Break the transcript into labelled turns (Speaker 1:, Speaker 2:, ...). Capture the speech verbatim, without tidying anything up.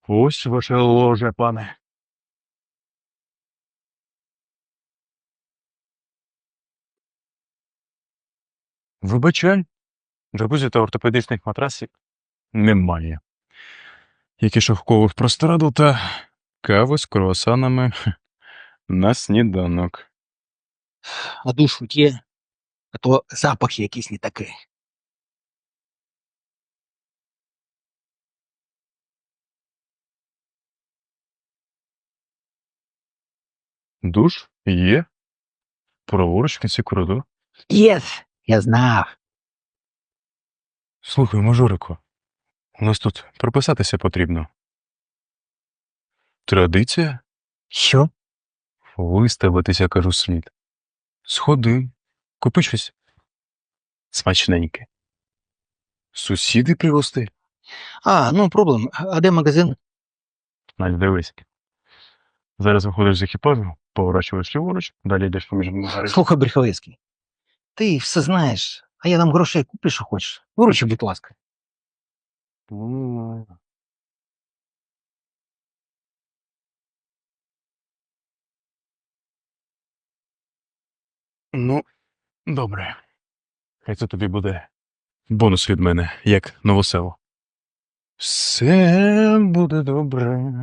Speaker 1: Ось ваше ложе, пане. Вибачай, джакузі та ортопедичних матрасів немає. Як і шовкових простирадл та кави з круасанами на сніданок.
Speaker 2: А душ хоч є, а то запах якийсь не такий.
Speaker 1: Душ є. Праворуч в кінці коридору.
Speaker 2: Єс, я знав.
Speaker 1: Слухай, мажорику, у нас тут прописатися потрібно. Традиція?
Speaker 2: Що?
Speaker 1: Виставитися, кажу, слід. Сходи, купи щось смачненьке. Сусіди пригости.
Speaker 2: А, ну проблем. А де магазин?
Speaker 1: Надь, дивись. Зараз виходиш з екіпажу, поворачуєш ліворуч, далі йдеш поміж магаричем.
Speaker 2: Слухай, Бреховецький, ти все знаєш, а я нам грошей куплю, що хочеш. Виручи, будь ласка.
Speaker 1: Ну, добре. Хай це тобі буде бонус від мене, як новосело. Все буде добре.